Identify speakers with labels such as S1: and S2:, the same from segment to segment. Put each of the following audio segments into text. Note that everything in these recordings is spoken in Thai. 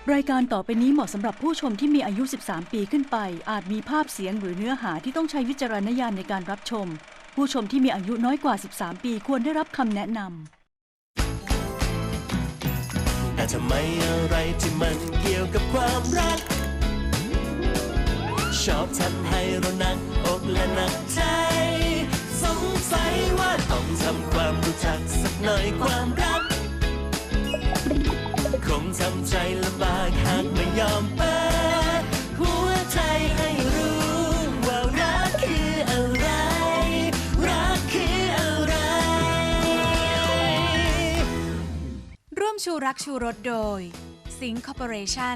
S1: รายการต่อไปนี้เหมาะสำหรับผู้ชมที่มีอายุ 13 ปีขึ้นไป อาจมีภาพเสียงหรือเนื้อหาที่ต้องใช้วิจารณญาณในการรับชม ผู้ชมที่มีอายุน้อยกว่า 13 ปีควรได้รับคำแนะนำ
S2: แต่ทำไมอะไรที่มันเกี่ยวกับความรัก ชอบทำให้เราหนักอกและหนักใจ สงสัยว่าต้องทำความรู้จักสักหน่อยความรัก คงทำใจลำบากหากไม่ยอมเปิดหัวใจให้รู้ว่ารักคืออะไร รักคืออะไร
S3: ร่วมชูรักชูรสโดยสิงห์คอร์ปอเรชั่น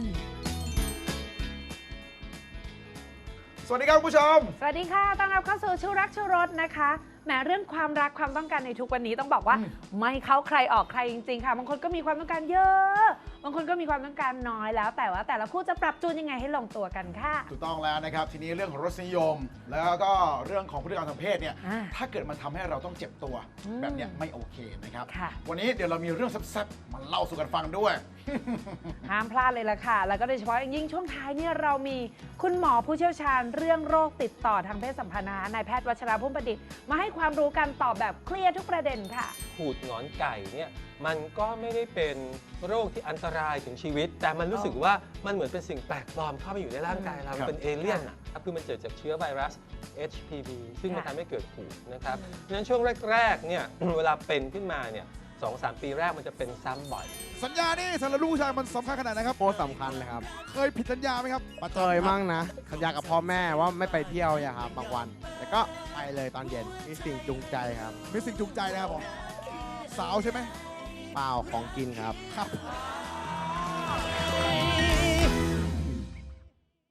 S4: สวัสดีครับคุณผู้ชม
S5: สวัสดีค่ะ ต้อนรับเข้าสู่ชูรักชูรสนะคะแหมเรื่องความรักความต้องการในทุกวันนี้ต้องบอกว่าไม่เข้าใครออกใครจริงๆค่ะ บางคนก็มีความต้องการเยอะ บางคนก็มีความต้องการน้อยแล้วแต่ว่าแต่ละคู่จะปรับจูนยังไงให้ลงตัวกันค่ะ
S4: ถูกต้องแล้วนะครับ ทีนี้เรื่องของรสนิยม แล้วก็เรื่องของพฤติกรรมทางเพศเนี่ย ถ้าเกิดมันทำให้เราต้องเจ็บตัวแบบเนี้ยไม่โอเคนะครับ
S5: ค่ะ
S4: วันนี้เดี๋ยวเรามีเรื่องแซ่บๆมาเล่าสู่กันฟังด้วย
S5: ห้ามพลาดเลยล่ะค่ะ แล้วก็โดยเฉพาะอย่างยิ่งช่วงท้ายเนี่ยเรามีคุณหมอผู้เชี่ยวชาญเรื่องโรคติดต่อทางเพศสัมพันธ์นายแพทย์วัชราพุ่มประดิษฐ์มาให้ความรู้กันตอบแบบเคลียร์ทุกประเด็นค่ะ
S6: หูดหงอนไก่เนี่ยมันก็ไม่ได้เป็นโรคที่อันตรายถึงชีวิต แต่มันรู้สึกว่ามันเหมือนเป็นสิ่งแปลกปลอมเข้าไปอยู่ในร่างกายเรา
S4: ครับ
S6: เป็นเอเลี่ยนอะคือมันเกิดจากเชื้อไวรัส HPV ซึ่งมัน
S5: ค่ะ
S6: ทำให้เกิดหูดนะครับดังนั้นช่วงแรกๆเนี่ย เวลาเป็นขึ้นมาเนี่ย2-3 ปีแรกมันจะเป็นซ้ำบ่อย
S4: สัญญานี่สำหรับลูกผู้ชายมันสำคัญขนาดไหนครับ
S7: โคตรสำคัญเลยครับ
S4: เคยผิดสัญญาไหมครับประจำ
S7: เคยมั่งนะ สัญญากับพ่อแม่ว่าไม่ไปเที่ยวอย่าครับบางวัน แต่ก็ไปเลยตอนเย็นมีสิ่งจูงใจครับ
S4: มีสิ่งจูงใจนะครับผมสาวใช่ไหม
S7: เปล่าของกินครับ
S4: ครับ